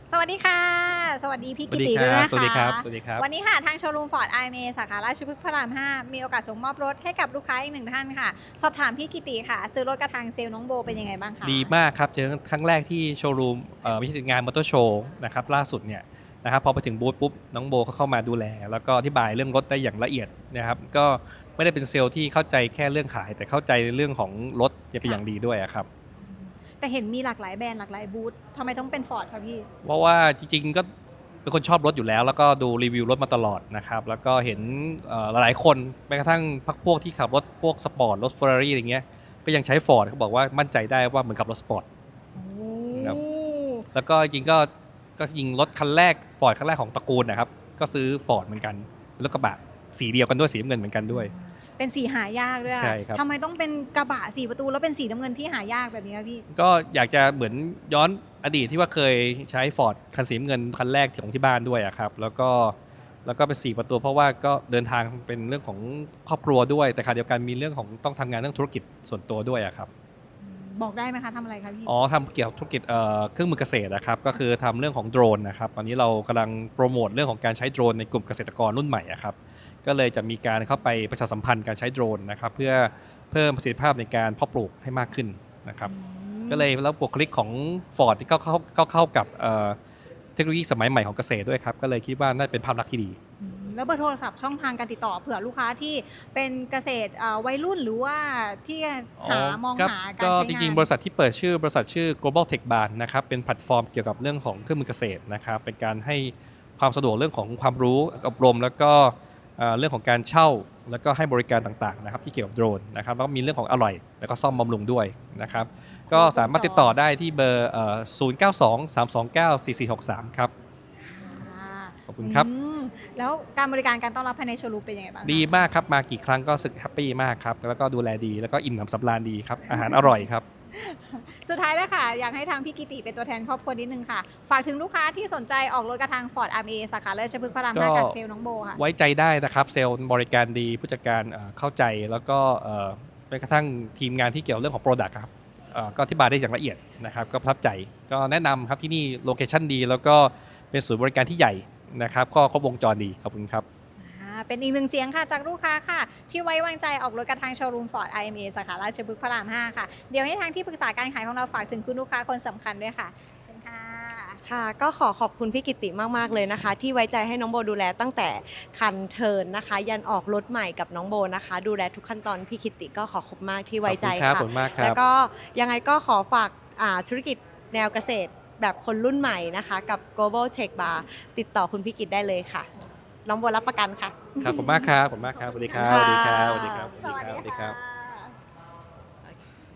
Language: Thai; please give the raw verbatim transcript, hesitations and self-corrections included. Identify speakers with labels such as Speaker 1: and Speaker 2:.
Speaker 1: สวัสดีค่ะสวัสดีพี่
Speaker 2: สวั
Speaker 1: กิ
Speaker 2: สดีครับ
Speaker 1: ติด้วยนะคะ
Speaker 2: สวัสดีครับสวัสดีครับ
Speaker 1: วันนี้ค่ะทางโชว์รูมฟอร์ดไอเมสาขาราชพฤกษ์พระรามห้ามีโอกาสส่งมอบรถให้กับลูกค้าอีกหนึ่งท่านค่ะสอบถามพี่กิติค่ะซื้อรถกระทางเซลล์น้องโบเป็นยังไงบ้างคะ
Speaker 2: ดีมากครับเจอครั้งแรกที่โชว์รูมเอ่อไม่ใช่งานมอเตอร์โชว์นะครับล่าสุดเนี่ยนะครับพอไปถึงบูธปุ๊บน้องโบก็เข้ามาดูแลแล้วก็อธิบายเรื่องรถได้อย่างละเอียดนะครับก็ไม่ได้เป็นเซลล์ที่เข้าใจแค่เรื่องขาย แต่เข้าใจเรื่องของรถเป็นอย่างดีด้วยอะครับ
Speaker 1: แต่เห็นมีหลากหลายแบรนด์หลากหลายบูธทำไมต้องเป็นฟอร์ดคะพี่
Speaker 2: เพราะว่าจริงๆก็เป็นคนชอบรถอยู่แล้วแล้วก็ดูรีวิวรถมาตลอดนะครับแล้วก็เห็นเอ่อหลายๆคนแม้กระทั่งพักพวกที่ขับรถพวกสปอร์ตรถเฟอร์รารี่อะไรเงี้ยก็ยังใช้ฟอร์ดเขาบอกว่ามั่นใจได้ว่าเหมือนขับรถสปอร์ตนะครับ แล้วก็จริงก็ก็ยิงรถคันแรกฟอร์ดคันแรกของตระกูลนะครับก็ซื้อฟอร์ดเหมือนกันรถกระบะสีเดียวกันด้วยสีน้ำเงินเหมือนกันด้วย
Speaker 1: เป็นสีหายากด้วย
Speaker 2: ใช่ครับ
Speaker 1: ทำไมต้องเป็นกระบะสี่ประตูแล้วเป็นสีน้ำเงินที่หายากแบบนี้คะพี่
Speaker 2: ก็อยากจะเหมือนย้อนอดีตที่ว่าเคยใช้ฟอร์ดคันสีน้ำเงินคันแรกของที่บ้านด้วยอะครับแล้วก็แล้วก็เป็นสี่ประตูเพราะว่าก็เดินทางเป็นเรื่องของครอบครัวด้วยแต่ขณะเดียวกันมีเรื่องของต้องทำงานเรื่องธุรกิจส่วนตัวด้วยอะครับ
Speaker 1: บอกได้ไหมคะทำอะไรคะพี่
Speaker 2: อ๋อทำเกี่ยวกับธุรกิจเอ่อเครื่องมือเกษตรนะครับก็คือทำเรื่องของโดรนนะครับตอนนี้เรากำลังโปรโมทเรื่องของการใช้โดรนในกลุ่มเกษตรกรรุ่นใหม่อะครับก็เลยจะมีการเข้าไปประชาสัมพันธ์การใช้โดรนนะครับเพื่อเพิ่มประสิทธิภาพในการเพาะปลูกให้มากขึ้นนะครับก็เลยแล้วบุคลิกของ Ford ที่เข้าเข้าเข้าเข้ากับเอ่อเทคโนโลยีสมัยใหม่ของเกษตรด้วยครับก็เลยคิดว่าน่าเป็นภาพลักษณ์ที่ดี
Speaker 1: อืมแล้วเบอร์โทรศัพท์ช่องทางการติดต่อเผื่อลูกค้าที่เป็นเกษตรอ่าวัยรุ่นหรือว่าที่
Speaker 2: อ๋อ
Speaker 1: หามอง
Speaker 2: ครับ
Speaker 1: หาการ
Speaker 2: ก็
Speaker 1: ใช้
Speaker 2: จ
Speaker 1: งาน
Speaker 2: ริงๆบริษัทที่เปิดชื่อบริษัทชื่อ global tech bar นะครับเป็นแพลตฟอร์มเกี่ยวกับเรื่องของเครื่องมือเกษตรนะครับเป็นการให้ความสะดวกเรื่องของความรู้อบรมแล้วก็เอ่อเรื่องของการเช่าแล้วก็ให้บริการต่างๆนะครับที่เกี่ยวกับโดรนนะครับแล้วก็มีเรื่องของอร่อยแล้วก็ซ่อมบำรุงด้วยนะครับก็สามารถติดต่อได้ที่เบอร์เอ่อศูนย์ เก้า สอง สาม สอง เก้า สี่ สี่ หก สามครับ
Speaker 1: อ่า
Speaker 2: ขอบคุณ
Speaker 1: อื
Speaker 2: ครับ
Speaker 1: มแล้วการบริการการต้อนรับภายในโชว์รูมเป็นยังไงบ้าง
Speaker 2: ดี
Speaker 1: คะ
Speaker 2: มากครับมากี่ครั้งก็รู้สึกแฮปปี้มากครับแล้วก็ดูแลดีแล้วก็อิ่มหนำสำราญดีครับอาหารอร่อยครับ
Speaker 1: สุดท้ายแล้วค่ะอยากให้ทางพี่กิติเป็นตัวแทนครอบครัวนิดนึงค่ะฝากถึงลูกค้าที่สนใจออกรถกระทาง Ford อาร์ เอ สาขาราชพฤกษ์พระรามห้า
Speaker 2: ก็
Speaker 1: กับเซลล์น้องโบค่ะ
Speaker 2: ไว้ใจได้นะครับเซลล์บริการดีผู้จัดการเอ่อเข้าใจแล้วก็เอ่อแม้กระทั่งทีมงานที่เกี่ยวเรื่องของ Product ครับเอ่อก็อธิบายได้อย่างละเอียดนะครับก็ประทับใจก็แนะนำครับที่นี่โลเคชั่นดีแล้วก็เป็นศูนย์บริการที่ใหญ่นะครับก็ครบวงจรดีขอบคุณครับ
Speaker 1: อ่าเป็นอีกหนึ่งเสียงค่ะจากลูกค้าค่ะที่ไว้วางใจออกรถกระทางโชว์รูม Ford ไอ เอ็ม เอ สาขาราชพฤกษ์พระรามห้าค่ะเดี๋ยวให้ทางที่ปรึกษาการขายของเราฝากถึงคุณลูกค้าคนสำคัญด้วยค่ะเชิญค่ะ
Speaker 3: ค่ะก็ขอขอบคุณพี่กิติมากๆเลยนะคะ ที่ไว้ใจให้น้องโบดูแลตั้งแต่คันเทิร์นนะคะ ยันออกรถใหม่กับน้องโบนะคะ ดูแลทุกขั้นตอนพี่กิติก็ขอขอบมากที่ไว้ใจ
Speaker 2: ขอบ
Speaker 3: ค่ะ
Speaker 2: คุณมากครับ
Speaker 3: แล้วก็ยังไงก็ขอฝากอ่าธุรกิจแนวเกษตรแบบคนรุ่นใหม่นะคะ กับ Global Tech Bar ติดต่อคุณพี่กิตได้เลยค่ะ น้องโบรับประกันค่ะ
Speaker 2: ครับขอบคุณมากครับขอบคุณมากครับสวัสดีครับสวัสดีครับสวัสดีครับสวัสดีครับสวัสดีครับ